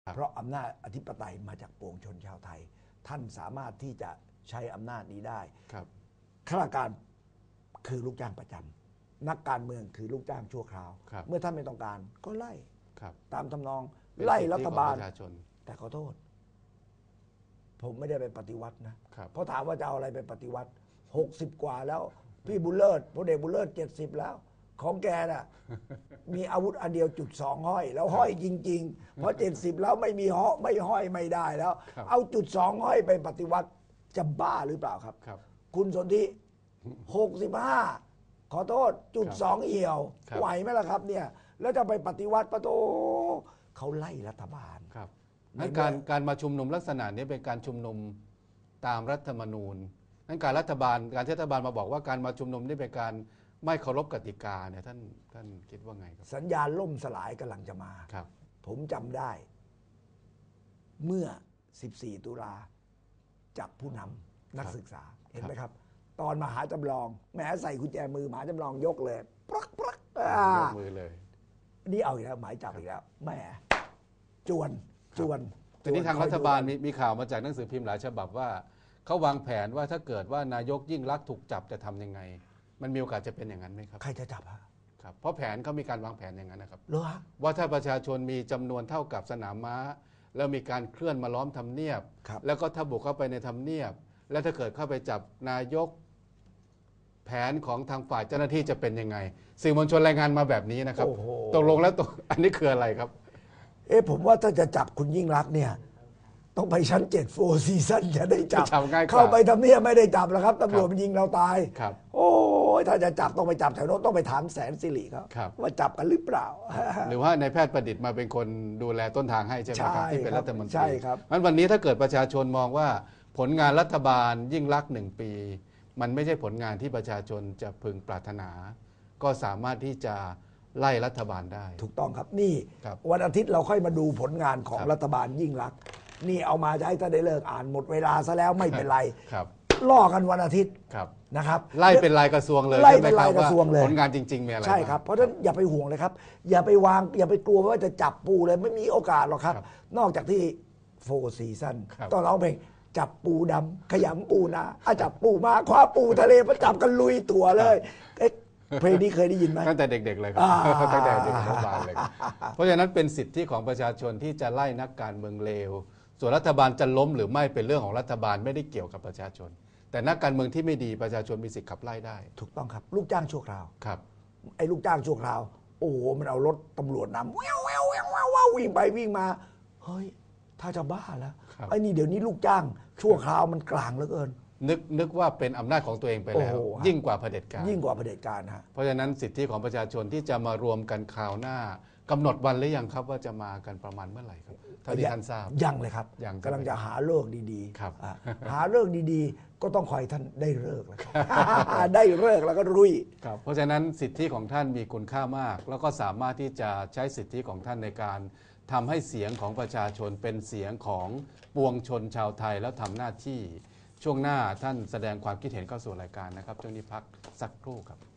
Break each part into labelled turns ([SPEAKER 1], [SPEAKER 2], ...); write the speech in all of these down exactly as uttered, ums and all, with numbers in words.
[SPEAKER 1] เพราะอำนาจอธิปไตยมาจากปวงชนชาวไทยท่านสามารถที่จะใช้อำนาจนี้ได้ข้าราชการคือลูกจ้างประจำนักการเมืองคือลูกจ้างชั่วคราวเมื่อท่านไม่ต้องการก็ไล่ตามทำนองไล่รัฐบาลแต่ขอโทษผมไม่ได้ไปปฏิวัตินะเพราะถามว่าจะเอาอะไรไปปฏิวัติหกสิบกว่าแล้วพี่บุญเลิศพลเอกบุญเลิศเจ็ดสิบแล้วของแกน่ะมีอาวุธอันเดียวจุดสองห้อยแล้วห้อยจริงๆเพราะเจ็ดสิบแล้วไม่มีห้อยไม่ห้อยไม่ได้แล้วเอาจุดสองห้อยไปปฏิวัติจะบ้าหรือเปล่าครับคุณสนธิหกสิบห้าขอโทษจุดสองเอี่ยวไหวไหมล่ะครับเนี่ยแล้วจะไปปฏิวัติปะโตเขาไล่รัฐบาล
[SPEAKER 2] ครับนั้นการการมาชุมนุมลักษณะนี้เป็นการชุมนุมตามรัฐธรรมนูญนั้นการรัฐบาลการที่รัฐบาลมาบอกว่าการมาชุมนุมนี่เป็นการไม่เคารพกติกาเนี่ยท่านท่านคิดว่าไงครับ
[SPEAKER 1] สัญญาณล่มสลายกำลังจะมา
[SPEAKER 2] ครับ
[SPEAKER 1] ผมจำได้เมื่อสิบสี่ตุลาจับผู้นำนักศึกษาเห็นไหมครับตอนมหาจำลองแม้ใส่กุญแจมือมหาจำลองยกเลยปลักปลัก
[SPEAKER 2] ยกมือเลย
[SPEAKER 1] นี่เอาอีกแล้วหมายจับอีกแล้วแหมจวนจวน
[SPEAKER 2] ทีนี้ทางรัฐบาลมีมีข่าวมาจากหนังสือพิมพ์หลายฉบับว่าเขาวางแผนว่าถ้าเกิดว่านายกยิ่งลักษณ์ถูกจับจะทำยังไงมันมีโอกาสจะเป็นอย่างนั้นไหมครับ
[SPEAKER 1] ใครจะจับฮะ
[SPEAKER 2] ครับเพราะแผนเขามีการวางแผนอย่างนั้นนะครับ
[SPEAKER 1] เหรอ
[SPEAKER 2] ว่าถ้าประชาชนมีจำนวนเท่ากับสนามม้าแล้วมีการเคลื่อนมาล้อมทำเนียบแล้วก็ถ้าบุกเข้าไปในทำเนียบแล้วถ้าเกิดเข้าไปจับนายกแผนของทางฝ่ายเจ้าหน้าที่จะเป็นยังไงสื่อมวลชนรายงานมาแบบนี้นะครับตกลงแล้วตกอันนี้คืออะไรครับ
[SPEAKER 1] เอ๊ะผมว่าถ้าจะจับคุณยิ่งรักษณ์เนี่ยต้องไปชั้นเจ็ดโฟร์ซีซั่นจะได้จับเข้าไปทำเนียบไม่ได้จับแล้วครับตำรวจมันยิงเราตายโอ้ยถ้าจะจับต้องไปจับแถวโน้นต้องไปถามแสนสิริเขาว่าจับกันหรือเปล่า
[SPEAKER 2] หรือว่านายแพทย์ประดิษฐ์มาเป็นคนดูแลต้นทางให้ใช่ไหมครับที่เป็นรัฐมนตรี
[SPEAKER 1] ใช่ครับ
[SPEAKER 2] งั้นวันนี้ถ้าเกิดประชาชนมองว่าผลงานรัฐบาลยิ่งรักษณ์หนึ่งปีมันไม่ใช่ผลงานที่ประชาชนจะพึงปรารถนาก็สามารถที่จะไล่รัฐบาลได้
[SPEAKER 1] ถูกต้องครับนี่วันอาทิตย์เราค่อยมาดูผลงานของรัฐบาลยิ่งรักษณ์นี่เอามาจะให้ท่านได้เลิกอ่านหมดเวลาซะแล้วไม่เป็นไรล่อกันวันอาทิตย์นะครับ
[SPEAKER 2] ไล่เป็นรายกระทรวงเลย
[SPEAKER 1] ไล่เป็นรายกระทรวงเลย
[SPEAKER 2] ผลงานจริงๆมีอะไร
[SPEAKER 1] ใช่ครับเพราะฉะนั้นอย่าไปห่วงเลยครับอย่าไปวางอย่าไปกลัวว่าจะจับปูเลยไม่มีโอกาสหรอกครับนอกจากที่โฟร์ซีซั่นตอนเราเพลงจับปูดำขยำปูนาอาจับปูมาคว้าปูทะเลมาจับกันลุยตัวเลยเพลงนี้เคยได้ยินไหม
[SPEAKER 2] ตั้งแต่เด็กๆเลยครับตั้งแต่เด็กๆรัฐบาลเลยเพราะฉะนั้นเป็นสิทธิของประชาชนที่จะไล่นักการเมืองเลวส่วนรัฐบาลจะล้มหรือไม่เป็นเรื่องของรัฐบาลไม่ได้เกี่ยวกับประชาชนแต่นักการเมืองที่ไม่ดีประชาชนมีสิทธิ์ขับไล่ได้
[SPEAKER 1] ถูกต้องครับลูกจ้างชั่วคราว
[SPEAKER 2] ครับ
[SPEAKER 1] ไอ้ลูกจ้างชั่วคราวโอ้โหมันเอารถตำรวจนำแววแววแววแวววิ่งไปวิ่งมาเฮ้ยถ้าจะบ้าแล้วไอ้นี่เดี๋ยวนี้ลูกจ้างชั่วคราวมันกลางเหลือเกิน
[SPEAKER 2] นึกนึกว่าเป็นอำนาจของตัวเองไปแล้วยิ่งกว่าเผด็จการ
[SPEAKER 1] ยิ่งกว่าเผด็จการฮะ
[SPEAKER 2] เพราะฉะนั้นสิทธิของประชาชนที่จะมารวมกันคราวหน้ากำหนดวันหรือยังครับว่าจะมากันประมาณเมื่อไหร่ครับเท่าที่ท่านทราบ
[SPEAKER 1] ยังเลยครับกำลังจะหาเลิกดี
[SPEAKER 2] ๆครับ
[SPEAKER 1] หาเลิกดีๆก็ต้องคอยท่านได้เลิกแล้วได้เลิกแล้วก็รุย
[SPEAKER 2] ครับเพราะฉะนั้นสิทธิของท่านมีคุณค่ามากแล้วก็สามารถที่จะใช้สิทธิของท่านในการทำให้เสียงของประชาชนเป็นเสียงของปวงชนชาวไทยแล้วทำหน้าที่ช่วงหน้าท่านแสดงความคิดเห็นเข้าสู่รายการนะครับช่วงนี้พักสักครู่ครับ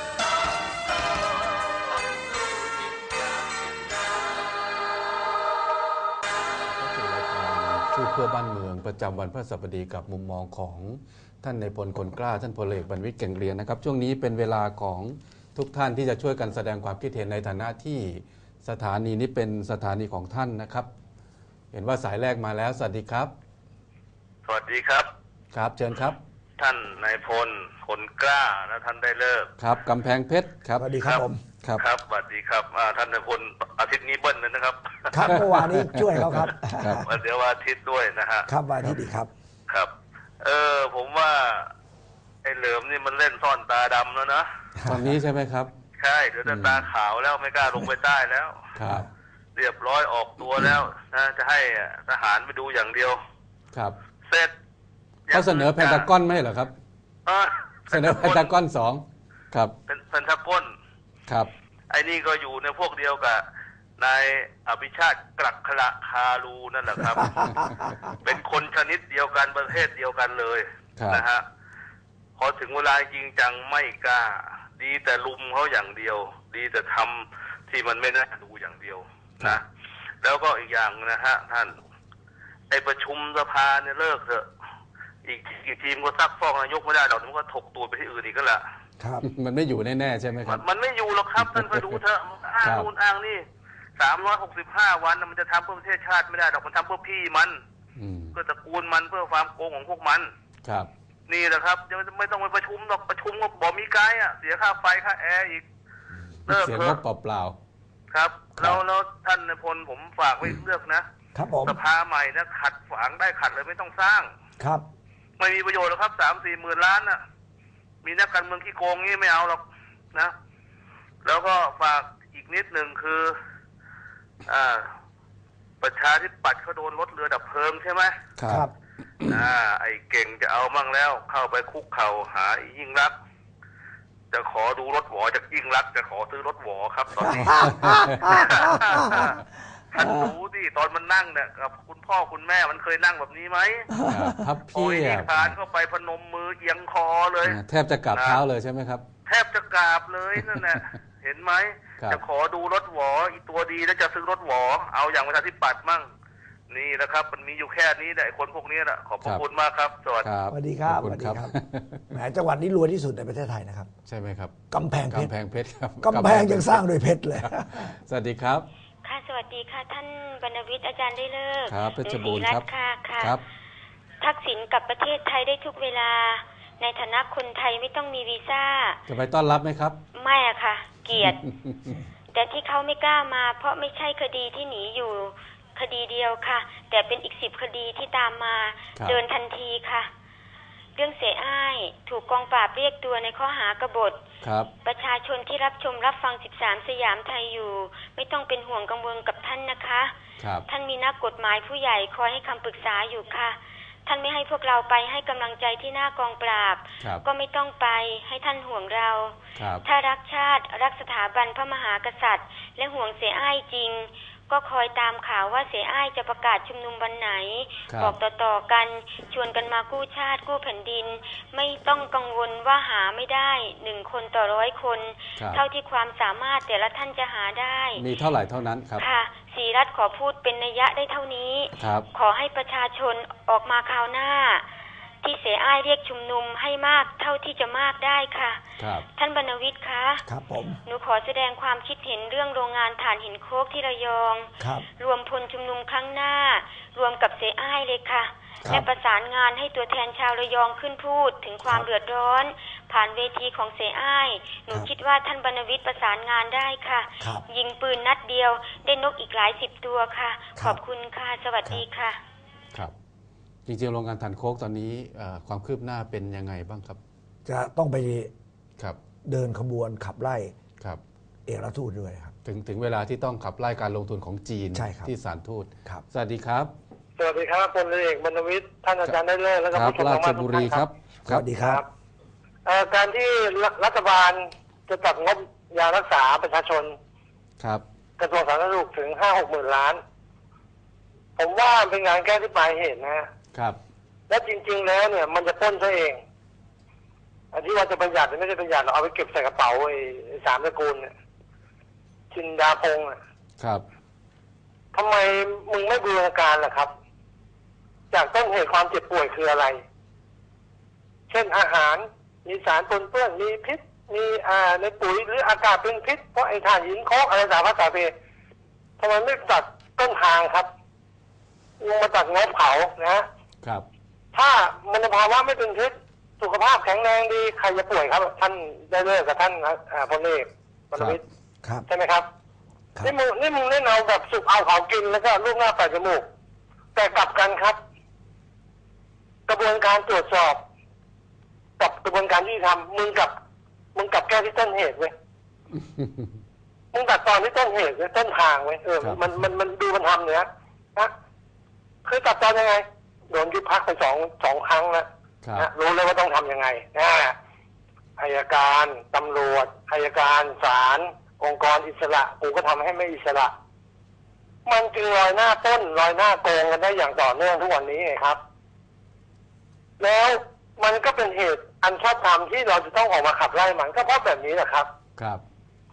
[SPEAKER 2] สู้เพื่อบ้านเมืองประจำวันพฤหัสบดีกับมุมมองของท่านนายพลคนกล้าท่านพลเอกบรรวิตรเก่งเรียนนะครับช่วงนี้เป็นเวลาของทุกท่านที่จะช่วยกันแสดงความคิดเห็นในฐานะที่สถานีนี้เป็นสถานีของท่านนะครับเห็นว่าสายแรกมาแล้วสวัสดีครับ
[SPEAKER 3] สวัสดีครับ
[SPEAKER 2] ครับเชิญครับ
[SPEAKER 3] ท่านนายพลคนกล้าและท่านได้เลิก
[SPEAKER 2] ครับกำแพงเพชรครับ
[SPEAKER 1] สวัสดีครับผม
[SPEAKER 2] ครับ
[SPEAKER 3] ครับสวัสดีครับท่านนายพลอาทิตย์นี้เบิ้ลเลยนะครับ
[SPEAKER 1] ครับเมื่อวานนี้ช่วยเขาครับ
[SPEAKER 3] เดี๋ยววันอาทิตย์ด้วยนะฮะ
[SPEAKER 1] ครับวันอาทิตย์ดีครับ
[SPEAKER 3] ครับเออผมว่าไอ้เหลิมนี่มันเล่นซ่อนตาดำแล้วนะ
[SPEAKER 2] ตอนนี้ใช่ไหมครับ
[SPEAKER 3] ใช่เดี๋ยวตาขาวแล้วไม่กล้าลงไปใต้แล้ว
[SPEAKER 2] ครับ
[SPEAKER 3] เรียบร้อยออกตัวแล้วนะจะให้ทหารไปดูอย่างเดียว
[SPEAKER 2] ครับ
[SPEAKER 3] เสร็จ
[SPEAKER 2] เขาเสนอเพนทากอนไม่เหรอครับเสนอเพนทากอนสองครับ
[SPEAKER 3] เป็นเพนทากอน
[SPEAKER 2] ครับ
[SPEAKER 3] ไอ้นี่ก็อยู่ในพวกเดียวกับนายอภิชาติกลักขละคารูนั่นแหละครับ เป็นคนชนิดเดียวกันประเภทเดียวกันเลยนะฮะพอถึงเวลาจริงจังไม่กล้าดีแต่ลุมเขาอย่างเดียวดีแต่ทำที่มันไม่น่าดูอย่างเดียวนะแล้วก็อีกอย่างนะฮะท่านไอประชุมสภาเนี่ยเลิกเถอะอีกอีกทีมก็ซักฟอกนายกไม่ได้หรอกมันก็ถกตัวไปที่อื่นอีกก็ละ
[SPEAKER 1] ครับ
[SPEAKER 2] มันไม่อยู่แน่ๆใช่ไหมครับ
[SPEAKER 3] มันไม่อยู่หรอกครับท่านไปดูเถอะอ้างนู่นอ้างนี่สามร้อยหกสิบห้าวันมันจะทำเพื่อประเทศชาติไม่ได้หรอกมันทำเพื่อพี่มันเพื่อตระกูลมันเพื่อความโกงของพวกมัน
[SPEAKER 2] ครับ
[SPEAKER 3] นี่แหละครับจะไม่ต้องไปประชุมหรอกประชุมก็บอกมีไกด์อ่ะเสียค่าไฟค่าแอร์อีก
[SPEAKER 2] เลิกเถอะเปล่า
[SPEAKER 3] ๆครับแล้วแล้วท่านนายพลผมฝากไว้เลือกนะครับสภาใหม่นะขัดฝังได้ขัดเลยไม่ต้องสร้าง
[SPEAKER 1] ครับ
[SPEAKER 3] ไม่มีประโยชน์หรอกครับสามสี่หมื่นล้านน่ะมีนักการเมืองขี้โกงงี้ไม่เอาหรอกนะแล้วก็ฝากอีกนิดหนึ่งคืออ่าประชาธิปัตย์เขาโดนรถเรือดับเพลิงใช่ไหม
[SPEAKER 1] ครับ
[SPEAKER 3] อ่าไอ้เก่งจะเอามั่งแล้วเข้าไปคุกเข่าหายิ่งรักจะขอดูรถหวอจากยิ่งรักจะขอซื้อรถหวอครับตอนนี้ ท่านรู้ดิตอนมันนั่งเนี่ยกับคุณพ่อคุณแม่มันเคยนั่งแบบนี้ไหม
[SPEAKER 2] พับเพี
[SPEAKER 3] ยบคานเข้าไปพนมมือเอียงคอเลย
[SPEAKER 2] แทบจะกราบเท้าเลยใช่ไหมครับ
[SPEAKER 3] แทบจะกราบเลยนั่นแหละเห็นไหมจะขอดูรถหวออีตัวดีแล้วจะซื้อรถหวอเอาอย่างประชาธิปัตย์มั่งนี่นะครับมันมีอยู่แค่นี้แหละคนพวกนี้แหละขอบพระคุณมากครับสวั
[SPEAKER 1] สดีครับสวัสดีครับแหมจังหวัดนี้รวยที่สุดในประเทศไทยนะครับ
[SPEAKER 2] ใช่ไหมครับ
[SPEAKER 1] กำแพงเพชร
[SPEAKER 2] กำแพงเพชรครับ
[SPEAKER 1] กำแพงยังสร้างโดยเพชรเลย
[SPEAKER 2] สวัสดีครับ
[SPEAKER 4] ค่ะสวัสดีค่ะท่านบรรณวิทย์อาจารย์ได้เลิก
[SPEAKER 2] ครับเพชรบูรณ์ครับ
[SPEAKER 4] ค่ะค่ะ
[SPEAKER 2] ครับ
[SPEAKER 4] ทักษิณกลับประเทศไทยได้ทุกเวลาในฐานะคนไทยไม่ต้องมีวีซ่า
[SPEAKER 2] จะไปต้อนรับไหมครับ
[SPEAKER 4] ไม่อะค่ะเกลียด แต่ที่เขาไม่กล้ามาเพราะไม่ใช่คดีที่หนีอยู่คดีเดียวค่ะแต่เป็นอีกสิบคดีที่ตามมาเดินทันทีค่ะเรื่องเสียอ้ายถูกกองปราบเรียกตัวในข้อหากบฏประชาชนที่รับชมรับฟังสิบสามสยามไทยอยู่ไม่ต้องเป็นห่วงกังวลกับท่านนะคะท่านมีนักกฎหมายผู้ใหญ่คอยให้คำปรึกษาอยู่ค่ะท่านไม่ให้พวกเราไปให้กำลังใจที่หน้ากองปราบก็ไม่ต้องไปให้ท่านห่วงเราถ้ารักชาติรักสถาบันพระมหากษัตริย์และห่วงเสียอ้ายจริงก็คอยตามข่าวว่าเสียอ้ายจะประกาศชุมนุมวันไหนบอกต่อๆกันชวนกันมากู้ชาติกู้แผ่นดินไม่ต้องกังวลว่าหาไม่ได้หนึ่งคนต่อร้อยคนเท่าที่ความสามารถแต่ละท่านจะหาได้
[SPEAKER 2] มีเท่าไหร่เท่านั้นครับ
[SPEAKER 4] ค่ะศรีรัตน์ขอพูดเป็นนัยยะได้เท่านี้ขอให้ประชาชนออกมาคราวหน้าที่เสียอ้ายเรียกชุมนุมให้มากเท่าที่จะมากได้ค่ะท่านบรรณวิทย์คะ
[SPEAKER 1] ครับผม
[SPEAKER 4] หนูขอแสดงความคิดเห็นเรื่องโรงงานถ่านหินโคกที่ระยองรวมพลชุมนุมครั้งหน้ารวมกับเสียอ้ายเลยค่ะและประสานงานให้ตัวแทนชาวระยองขึ้นพูดถึงความเดือดร้อนผ่านเวทีของเสียอ้ายหนูคิดว่าท่านบรรณวิทย์ประสานงานได้ค่ะยิงปืนนัดเดียวได้นกอีกหลายสิบตัวค่ะขอบคุณค่ะสวัสดีค่ะ
[SPEAKER 2] ครับจริงๆโรงงานถ่านโคกตอนนี้ความคืบหน้าเป็นยังไงบ้างครับ
[SPEAKER 1] จะต้องไป
[SPEAKER 2] ครับ
[SPEAKER 1] เดินขบวนขับไล่
[SPEAKER 2] ครับ
[SPEAKER 1] เอกอัครราชทูตด้วยครับ
[SPEAKER 2] ถึงถึงเวลาที่ต้องขับไล่การลงทุนของจีนที่ศาลทูต
[SPEAKER 1] ครับ
[SPEAKER 2] สวัสดีครับ
[SPEAKER 5] สวัสดีครับพลเอกบรรณวิทย์ท่านอาจารย์ได้เลิศแล้วก็ผู้ชมทางบ้านทุกท่านครับ
[SPEAKER 1] สวัสดีครับ
[SPEAKER 5] การที่รัฐบาลจะจัดงบยารักษาประชาชน
[SPEAKER 2] ครับ
[SPEAKER 5] กระทรวงสาธารณสุขถึงห้าหกหมื่นล้านผมว่าเป็นงานแก้ที่ปลายเหตุนะครับและจริงๆแล้วเนี่ยมันจะพ้นซะเองอันที่ว่าจะประหยัดไม่ได้ประหยัดเอาไปเก็บใส่กระเป๋าไอ้สามตระกูลเนี่ยชินดาพงศ์
[SPEAKER 2] ครับ
[SPEAKER 5] ทำไมมึงไม่บูรณาการล่ะครับจากต้นเหตุความเจ็บป่วยคืออะไรเช่นอาหารมีสารปนเปื้อนมีพิษมีอ่าในปุ๋ยหรืออากาศเป็นพิษเพราะไอ้ถ่านหินโคกอะไรสารพัดสารเพทำไมไม่ตัดต้นทางครับลงมาตัดงบเผานะครับถ้ามันภาวะไม่เป็นพิษสุขภาพแข็งแรงดีใครจะป่วยครับท่านได้เลิกกับท่านพลเอกบรรณวิทย์ใช่ไหมครับนี่มึงนี่มึงเล่นเอาแบบสุกเอาเขากินแล้วก็ลูกหน้าปลายจมูกแต่กลับกันครับกระบวนการตรวจสอบกับกระบวนการที่ทำมึงกับมึงกับแก้ที่ต้นเหตุเว้ยมึงตัดตอนที่ต้นเหตุต้นทางเว้ยเออมันมันมันดูมันทำเนี่ยนะคือตัดตอนยังไงโดนยุบพักไปสองสองครั้งแล้วนะรู้เลยว่าต้องทำยังไงนะอัยการตำรวจอัยการศาลองค์กรอิสระกูก็ทำให้ไม่อิสระมันจึงลอยหน้าต้นลอยหน้าโกงกันได้อย่างต่อเนื่องทุกวันนี้ไงครับแล้วมันก็เป็นเหตุอันชอบธรรมที่เราจะต้องออกมาขับไล่มันก็เพราะแบบนี้แหละครับ
[SPEAKER 2] ครับ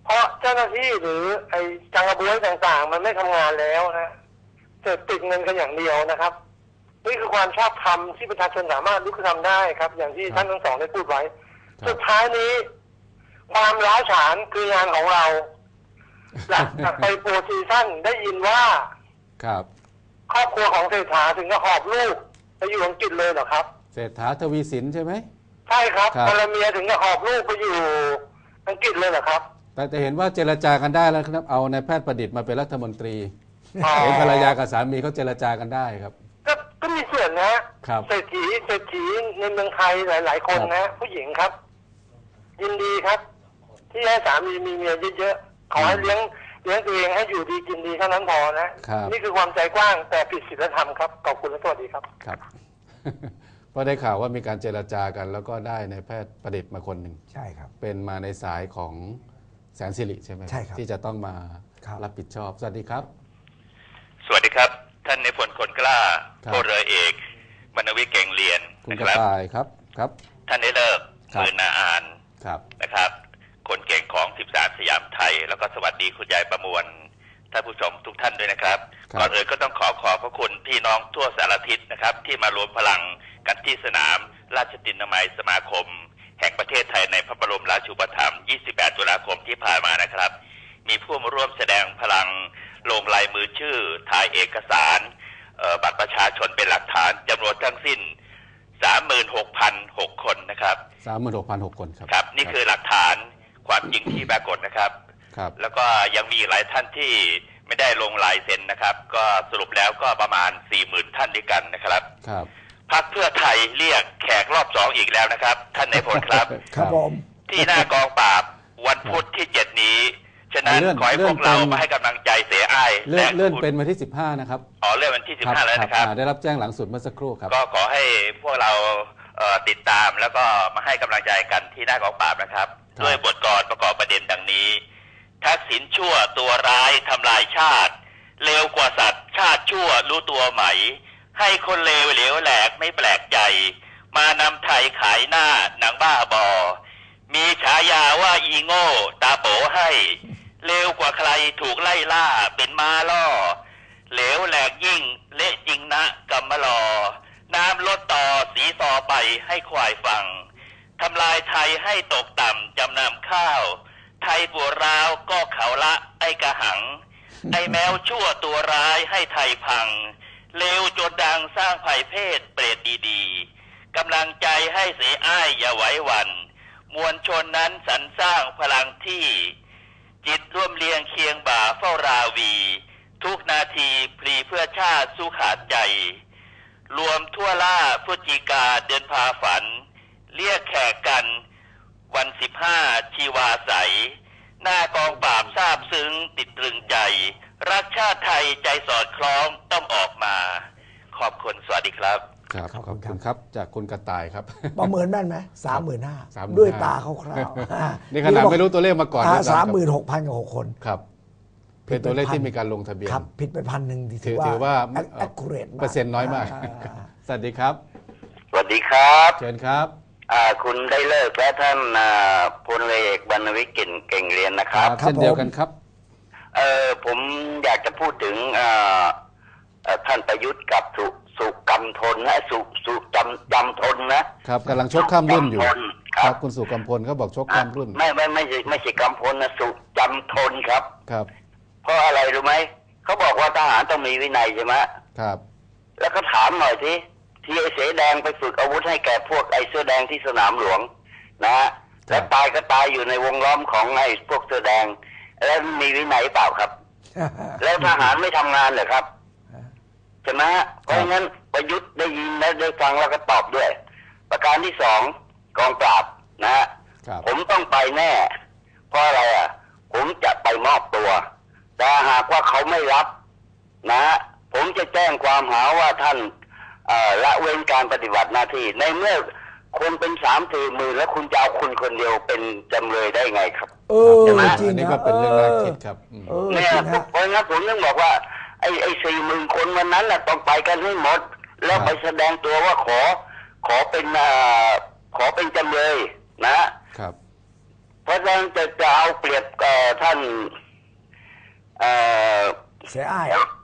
[SPEAKER 5] เพราะเจ้าหน้าที่หรือไอ้จังกระบวยต่างๆ มันไม่ทำงานแล้วนะเกิดติดเงินกันอย่างเดียวนะครับนี่คือความชอบธรรมที่ประชาชนสามารถลุกขึ้นทำได้ครับ อย่างที่ท่านทั้งสองได้พูดไว้สุดท้ายนี้ความร้าวฉานคืองานของเราหลังจากไปโปรซีซั่นได้ยินว่า
[SPEAKER 2] ครับ
[SPEAKER 5] ครอบครัวของเศรษฐาถึงกับหอบลูกไปอยู่อังกฤษเลยเหรอครับ
[SPEAKER 2] เศรษฐาทวีสินใช่ไหม
[SPEAKER 5] ใช่ครับภรรเมียถึงกับหอบลูกไปอยู่อังกฤษเลยเหรอครับ
[SPEAKER 2] แต่จะเห็นว่าเจรจากันได้แล้วครับเอานายแพทย์ประดิษฐ์มาเป็นรัฐมนตรีเห็นภรรยากับสามีเขาเจรจากันได้ครับ
[SPEAKER 5] ก็ก็มีส่วนนะครับเศรษฐีเศรษฐีในเมืองไทยหลายๆคนนะผู้หญิงครับ ยินดีครับ ที่ให้สามีมีเมียเยอะๆขอให้เลี้ยงเลี้ยงตัวเองให้อยู่ดีกินดีเท่านั้นพอนะนี่คือความใจกว้างแต่ผิดศีลธรรมครับขอบคุณและสวัสดีครับ
[SPEAKER 2] ครับก็ได้ข่าวว่ามีการเจรจากันแล้วก็ได้นายแพทย์ประดิษฐ์มาคนหนึ่ง
[SPEAKER 1] ใช่ครับ
[SPEAKER 2] เป็นมาในสายของแสนสิริใช่ไหม
[SPEAKER 1] ใช่ครับ
[SPEAKER 2] ที่จะต้องมารับผิดชอบสวัสดีครับ
[SPEAKER 3] สวัสดีครับท่านในพลคนกล้าพลเรือเอกบรรณวิทย์เก่งเรียน
[SPEAKER 2] คุณกระต่ายครับครับ
[SPEAKER 3] ท่านได้เลิกมือนาอานนะครับคนเก่งของสิบสามสยามไทยแล้วก็สวัสดีคุณยายประมวลท่านผู้ชมทุกท่านด้วยนะครับก่อนอื่นก็ต้องขอขอบพระคุณพี่น้องทั่วสารทิศนะครับที่มารวมพลังกันที่สนามราชตินามัยสมาคมแห่งประเทศไทยในพระบรมราชูปถัมภ์ยี่สิบแปดตุลาคมที่ผ่านมานะครับมีผู้มาร่วมแสดงพลังลงลายมือชื่อถ่ายเอกสารบัตรประชาชนเป็นหลักฐานจำนวนทั้งสิ้น สามหมื่นหกพันหก คนนะครับ
[SPEAKER 2] สามหมื่นหกพันหก คนครับ
[SPEAKER 3] ครับนี่คือหลักฐานความจริงที่ปรากฏนะครับ
[SPEAKER 2] ครับ
[SPEAKER 3] แล้วก็ยังมีหลายท่านที่ไม่ได้ลงลายเซ็นนะครับก็สรุปแล้วก็ประมาณ สี่หมื่น ท่านด้วยกันนะครับ
[SPEAKER 2] ครับ
[SPEAKER 3] พรรคเพื่อไทยเรียกแขกรอบสองอีกแล้วนะครับท่านนายพลครับ
[SPEAKER 1] ครับผม
[SPEAKER 3] ที่หน้ากองปราบวันพุธที่เจ็ดนี้ฉะนั้นขอให้พวกเรามาให้กำลังใจเสียอ้าย
[SPEAKER 2] เลื่อนเลื่อนเป็นวันที่สิบห้านะครับ
[SPEAKER 3] อ๋อเลื่อนวันที่สิบห้าแล้วนะครับ
[SPEAKER 2] ได้รับแจ้งหลังสุดเมื่อสักครู่ครับ
[SPEAKER 3] ก็ขอให้พวกเราติดตามแล้วก็มาให้กำลังใจกันที่หน้ากองปราบนะครับด้วยบทกลอนประกอบประเด็นดังนี้ทักษิณชั่วตัวร้ายทำลายชาติเลวกว่าสัตว์ชาติชั่วรู้ตัวไหมให้คนเลวเหลวแหลกไม่แปลกใจมานำไทยขายหน้าหนังบ้าบอมีฉายาว่าอีโง่ตาโปให้เลวกว่าใครถูกไล่ล่าเป็นม้าล่อเหลวแหลกยิ่งเละจริงนะกำมะลอน้ำลดต่อสีซอไปให้ควายฟังทำลายไทยให้ตกต่ำจำนำข้าวไทยปวดร้าวก็เขาละไอ้กระหังไอ้แมวชั่วตัวร้ายให้ไทยพังเลวจนดังสร้างภัยเพศเปรตดีๆกำลังใจให้เสียอ้ายอย่าไหวหวั่นมวลชนนั้นสรรสร้างพลังที่จิตร่วมเลียงเคียงบ่าเฝ้าราวีทุกนาทีพลีเพื่อชาติสู้ขาดใจรวมทั่วล่าพฤศจิกาเดินพาฝันเรียกแขกกันวันสิบห้าชีวาใสหน้ากองปราบทราบซึ้งติดตรึงใจรักชาติไทยใจสอดคล้องต้องออกมาขอบคุณสวัสดีครับ
[SPEAKER 2] ครับขอบคุณครับจากคุณกระต่ายครับ
[SPEAKER 1] ประเมินแม่นไหมสามหมื่นห้าด้วยตาคร่าว
[SPEAKER 2] ๆนี่ขนาดไม่รู้ตัวเลขมาก่อน
[SPEAKER 1] สามหมื่นหกพันกับหกคน
[SPEAKER 2] ครับเป็นตัวเลขที่มีการลงทะเบียน
[SPEAKER 1] ครับผิดไปพันหนึ่ง
[SPEAKER 2] ถือว่า
[SPEAKER 1] accurate
[SPEAKER 2] เปอร์เซ็นต์น้อยมากสวัสดีครับ
[SPEAKER 3] สวัสดีครับ
[SPEAKER 2] เชิญครับ
[SPEAKER 3] คุณได้เลิกและท่านพลเอกบรรณวิทย์เก่งเรียนนะครับ
[SPEAKER 2] เช่นเดียวกันครับ
[SPEAKER 3] เออผมอยากจะพูดถึงท่านประยุทธ์กับสุสุกำทนนะสุสุจำจำทนนะครับ
[SPEAKER 2] กำลังชกข้ามรุ่นอยู่ครับคุณสุกำพลเขาบอกชกข้ามรุ่น
[SPEAKER 3] ไม่ไม่ไม่ใช่ไม่ใช่กำพลนะสุจำทนครับ
[SPEAKER 2] ครับ
[SPEAKER 3] เพราะอะไรรู้ไหมเขาบอกว่าทหารต้องมีวินัยใช่ไหม
[SPEAKER 2] ครับ
[SPEAKER 3] แล้วก็ถามหน่อยทีที่ไอ้เสือแดงไปฝึกอาวุธให้แก่พวกไอ้เสื้อแดงที่สนามหลวงนะแล้วตายก็ตายอยู่ในวงล้อมของไอ้พวกเสื้อแดงแล้วมีวินัยเปล่าครับ แล้วทหารไม่ทำงานเหรอครับใช่ไหมเพราะงั้นประยุทธ์ได้ยินและได้ฟังแล้วก็ตอบด้วยประการที่สองกองปราบนะฮะผมต้องไปแน่เพราะอะไรอ่ะผมจะไปมอบตัวแต่หากว่าเขาไม่รับนะผมจะแจ้งความหาว่าท่านละเว้นการปฏิบัติหน้าที่ในเมื่อคนเป็นสามสี่หมื่นแล้วคุณจะเอาคุณคนเดียวเป็นจำเลยได้ไงครับ
[SPEAKER 1] เออจริง
[SPEAKER 2] นี่ก็เป็นเรื่องน่าคิดครับ
[SPEAKER 3] เนี่ยเพราะงั้นผมต้องบอกว่าไอ้ไอ้สี่หมื่นคนวันนั้นน่ะต้องไปกันให้หมดแล้วไปแสดงตัวว่าขอขอเป็นขอเป็นจำเลยนะครับ
[SPEAKER 6] เพราะฉะนั้นจะจะเอาเปรียบเอ่อท่านเอ่อ
[SPEAKER 1] เสียอ้าย